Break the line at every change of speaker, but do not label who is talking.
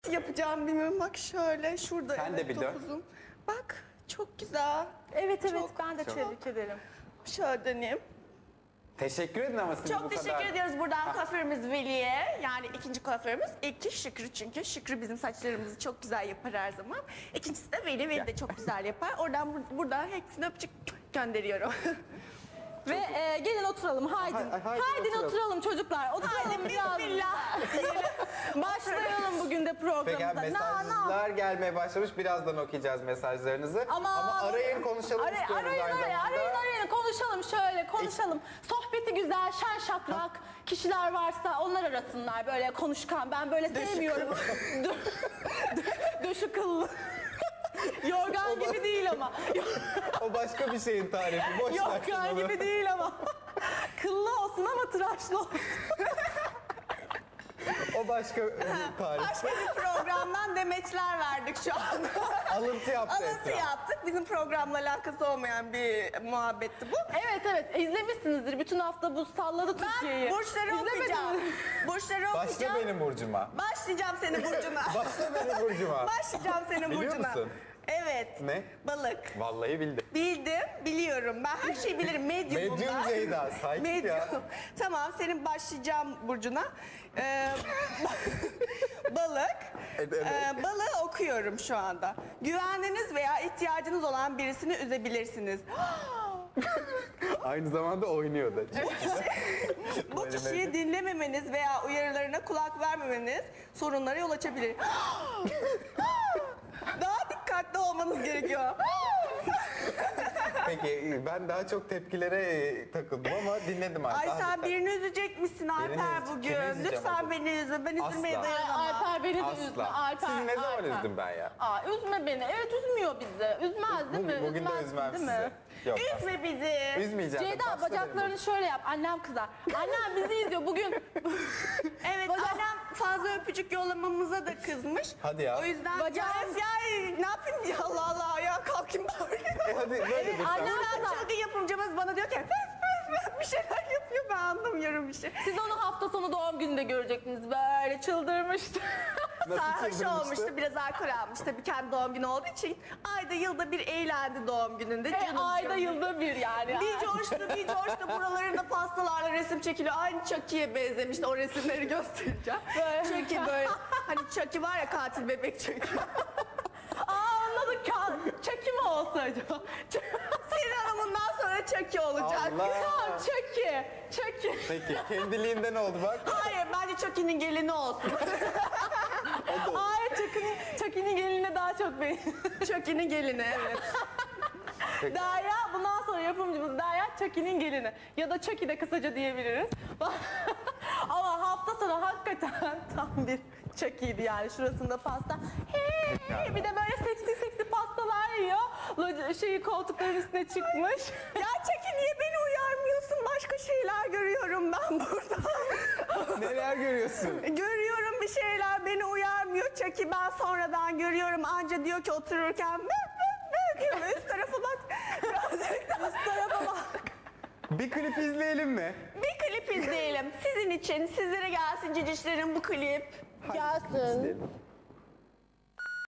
yapacağım bilmiyorum. Bak şöyle şurada.
Sen de bir dön.
topuzum. Bak çok güzel.
Evet
Çok,
ben de tebrik ederim.
Şöyle döneyim.
Teşekkür edin ama siz bu
Çok
kadar.
teşekkür ediyoruz buradan kuaförümüz Veli'ye. Yani ikinci kuaförümüz. İlki Şükrü çünkü. Şükrü bizim saçlarımızı çok güzel yapar her zaman. İkincisi de Veli. Veli de çok güzel yapar. Buradan hepsine öpücük gönderiyorum.
Ve gelin oturalım haydi. Haydi oturalım çocuklar. Oturalım biraz.
Bismillah.
Başlayalım bugün de programımıza.
Peki mesajlar gelmeye başlamış. Birazdan okuyacağız mesajlarınızı. Ama arayın konuşalım istiyoruz aynı zamanda.
Arayın konuşalım şöyle konuşalım. Sohbeti güzel, şen şakrak kişiler varsa onlar arasınlar böyle konuşkan. Ben böyle sevmiyorum. Döşü kıllı. Yorgan gibi değil ama.
O başka bir şeyin tarifi. Boş
Yorgan gibi değil ama. Kıllı olsun ama tıraşlı olsun.
O başka bir tarif.
Başka bir programdan demeçler verdik şu an.
Alıntı yaptı
Alıntı
Esra.
yaptık. Bizim programla alakası olmayan bir muhabbetti bu.
Evet izlemişsinizdir. Bütün hafta bu salladı Türkiye'yi.
Burçları okuyacağım. Burçları
Başla
okuyacağım.
benim burcuma.
Başlayacağım senin burcuna.
Başla benim burcuma.
Başlayacağım senin
Biliyor
burcuna.
musun?
Evet.
Ne?
Balık.
Vallahi bildim.
Bildim, biliyorum. Ben her şeyi bilirim. Medyumum
Medyum
ben.
Ceyda, sakin ya.
Tamam, senin başlayacağım burcuna. Balık.
Evet.
Balığı okuyorum şu anda. Güvendiğiniz veya ihtiyacınız olan birisini üzebilirsiniz.
Aynı zamanda oynuyor da.
Bu
Böyle
kişiyi
medya.
dinlememeniz veya uyarılarına kulak vermemeniz sorunlara yol açabilir. Daha dikkatli olmanız gerekiyor.
Peki ben daha çok tepkilere takıldım ama dinledim artık.
Ay sen birini üzecekmişsin Alper
üzeceğim. Kimi
bugün.
üzeceğim
Lütfen
acaba?
beni üzme. Ben üzülmeye
Asla.
dayanamam.
Alper beni de üzme.
Asla.
Alper,
Sizi ne zaman
Alper.
üzdüm ben ya?
Üzme beni. Evet üzmüyor bizi. Üzmez değil mi?
Bugün de
Üzmezsin,
üzmem
değil
sizi.
mi?
Yok.
Üzme bizi.
Üzmeyeceğim.
Ceyda
Başla
bacaklarını şöyle yap. Annem kızar. Annem bizi izliyor bugün.
Evet annem fazla öpücük yollamamıza da kızmış.
Hadi ya.
O yüzden
Bacağım-
ya ne yapayım ya Allah Allah ya kalkayım bari.
Hadi böyle lütfen.
annem-
Buradan çılgın yapımcımız bana diyor ki bir şeyler yapıyor ben anlamıyorum bir şey.
Siz onu hafta sonu doğum gününde görecektiniz. Böyle çıldırmıştı.
Nasıl
Sarhoş
çıldırmıştı?
olmuştu, biraz alkol almış. Tabii kendi doğum günü olduğu için ayda yılda bir eğlendi doğum gününde. Canım
Ayda
canım.
yılda bir yani.
Bir coştu buralarında pastalarla resim çekiliyor. Aynı Chucky'ye benzemişti. O resimleri göstereceğim. Chucky böyle, hani Chucky var ya katil bebek Chucky.
Anladık. Çeki mi olsa acaba?
Senin hanımından sonra Chucky olacak.
Allah.
Tamam çeki.
Peki kendiliğinden oldu bak.
Hayır bence Chucky'nin gelini olsun.
Hayır Çeki'nin gelinine daha çok beğendim.
Chucky'nin gelini evet.
Derya bundan sonra yapımcımız Derya Çeki'nin gelini. Ya da Çeki de kısaca diyebiliriz. Ama hafta sonu hakikaten tam bir Çeki'ydi yani şurasında pasta. Hey, bir de böyle seksi pastalar yiyor. Koltukların üstüne çıkmış.
Ya Chucky niye beni uyarmıyorsun? Başka şeyler görüyorum ben burada.
Neler görüyorsun?
Görüyorum bir şeyler beni uyarmıyor. Chucky ben sonradan görüyorum. Anca diyor ki otururken üst tarafa bak. Üst tarafa bak.
Bir klip izleyelim mi?
Bir klip izleyelim. Sizin için sizlere gelsin cicişlerin bu klip.
Gelsin.
İzleyelim.